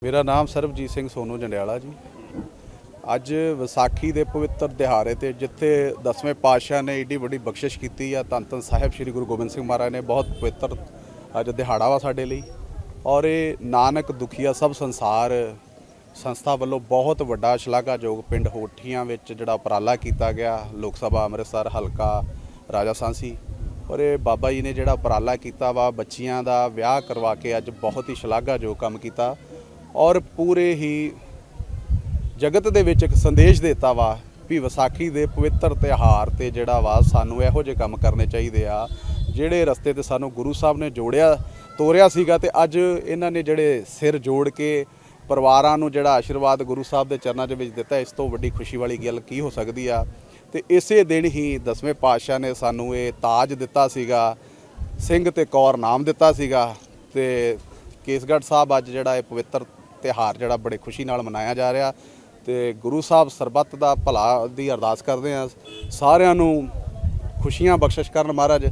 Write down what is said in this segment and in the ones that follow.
मेरा नाम सरबजीत सिंह सोनू जंडियाला जी। अज विसाखी के पवित्र दिहाड़े ते जिथे 10वें पातशाह ने एडी बड़ी बख्शिश की धन धन साहिब श्री गुरु गोबिंद सिंह महाराज ने बहुत पवित्र अज दिहाड़ा वा साडे लई। और ये नानक दुखिया सब संसार संस्था वालों बहुत वड्डा शलाघायोग पिंड होठियां विच जिहड़ा उपराला किया गया लोक सभा अमृतसर हलका राजा सांसी। और ये बाबा जी ने जिहड़ा उपराला किया वा बच्चियां दा विआह करवा के अज बहुत ही शलाघायोग काम किया और पूरे ही जगत दे विच एक संदेश देता वा भी विसाखी दे पवित्र त्यौहार ते जिहड़ा वा सानू इहो जिहे काम करने चाहिए आ जिहड़े रस्ते ते सानू गुरु साहब ने जोड़िया तोरिया सीगा ते अज इन्हां ने जिहड़े सिर जोड़ के परिवारां नू जिहड़ा आशीर्वाद गुरु साहब दे चरनां दे विच दित्ता, इस तो वड्डी खुशी वाली गल की हो सकदी आ। ते इसे दिन ही 10वें पातशाह ने सानू ये ताज दिता सीगा, सिंह ते कौर नाम दिता सीगा। ते केसगढ़ साहब अज जिहड़ा पवित्र त्यौहार जिहड़ा बड़े खुशी नाल मनाया जा रहा। तो गुरु साहब सरबत दा भला दी अरदास करते हैं, सारियां नू खुशियां बख्शिश करन महाराज।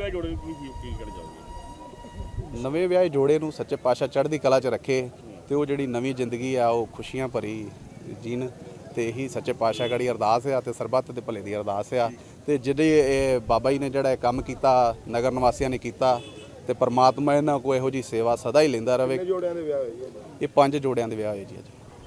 नवे विआहे जोड़े नू सच्चे पातशाह चढ़दी कला च रखे तो वो जिहड़ी नवी जिंदगी आ वो खुशियां भरी जीन। तो यही सच्चे पातशाह गड़ी अरदास आ ते सरबत दे भले दी अरदास आ। ते जिहड़े बाबा जी ने जिहड़ा काम कीता नगर निवासियों ने कीता ते परमात्मा इन्हां को इहो जी सेवा सदा ही लैंदा रहे। ये 5 जोड़ियां दे विआह होए जी अज।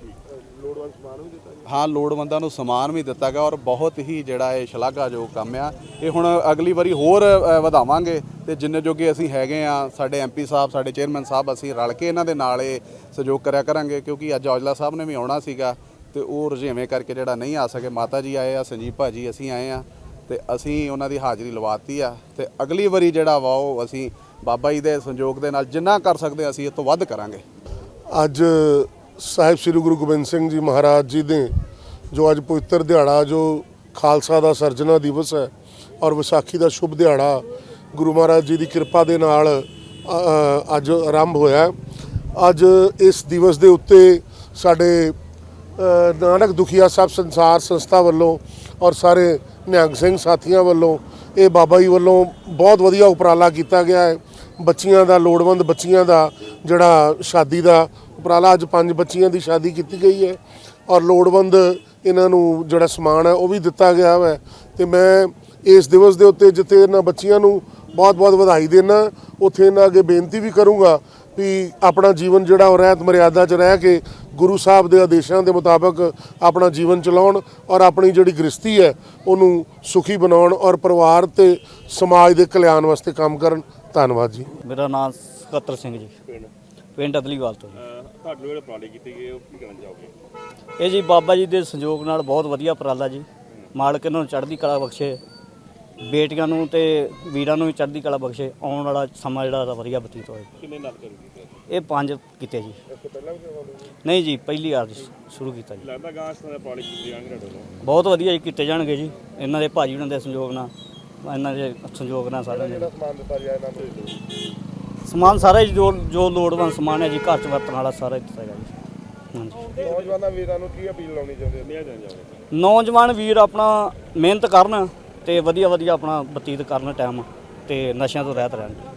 हाँ, लोड़वंदां नूं समान भी दिता गया और बहुत ही जिहड़ा ये शलाघायोग काम आ। ये हुण अगली वारी होर वधावांगे ते जिन्ने जोगे असीं हैगे आ साडे MP साहब साडे चेयरमैन साहब असीं रल के इन्हां दे नाल सहयोग करिया करांगे। क्योंकि अज औजला साहब ने भी आउणा सीगा ते वो रजेवें करके जिहड़ा नहीं आ सके। माता जी आए आ, संजीव भाजी असीं आए आ ते असीं उन्हां दी हाज़री लवाती आ। ते अगली वारी जिहड़ा वा वो असीं बाबा जी दे संयोग दे नाल जिन्ना कर सकदे असीं इस तों वध करांगे। अज साहिब श्री गुरु गोबिंद सिंह जी महाराज जी ने जो अज पवित्र दिहाड़ा जो खालसा का सरजना दिवस है और विसाखी का शुभ दिहाड़ा गुरु महाराज जी की कृपा के नाल अज आरंभ होया। अज इस दिवस के उत्ते साडे नानक दुखिया सब संसार संस्था वालों और सारे निहंग सिंह साथियों वालों ये बाबा जी वालों बहुत वधिया उपराला किया गया है। बच्चियां दा लोड़वंद बच्चियां दा जिहड़ा शादी का उपराला अज 5 बच्चियां की शादी की गई है और लोड़वंद इन्हां नूं जिहड़ा समान है वह भी दिता गया है। तो मैं इस दिवस के उत्ते जिथे इन्हां बच्चियां नूं बहुत बहुत बधाई देना, उत्थे इन्हां अगे बेनती भी करूँगा भी अपना जीवन जिहड़ा रहत मर्यादा च रह के गुरु साहब के आदेशों के मुताबिक अपना जीवन चलाउण और अपनी जिहड़ी गृहस्थी है उन्होंने सुखी बनाउण और परिवार ते समाज के कल्याण वास्ते काम करन। धन्यवाद जी। मेरा नाम सकत्तर सिंह जी, पिंड अदलीवाल तो ये जी बाबा जी के संयोग नाल बहुत वधिया उपराला जी। मालक इन्हां नूं चढ़दी कला बख्शे, बेटियां नूं ते वीरां नूं भी चढ़दी कला बख्शे, आउण वाला समा जिहड़ा वधिया बतीत होए। ये 5 कीते जी। नहीं जी, पहली बार शुरू किया जी। बहुत वधिया जी कीते जाणगे जी। इन्हां दे भाजी हुणां दे संयोग नाल, इन्हां दे संयोग नाल सारा समान सारा जी जो लोड़वंद समान है जी घर च वरतण वाला सारा दित्ता गया जी। हाँ जी, नौजवान वीर अपना मेहनत करन ते वधिया वधिया अपना बतीत करन टाइम ते नशਿਆਂ ਤੋਂ ਰਹਿਤ ਰਹਿਣ।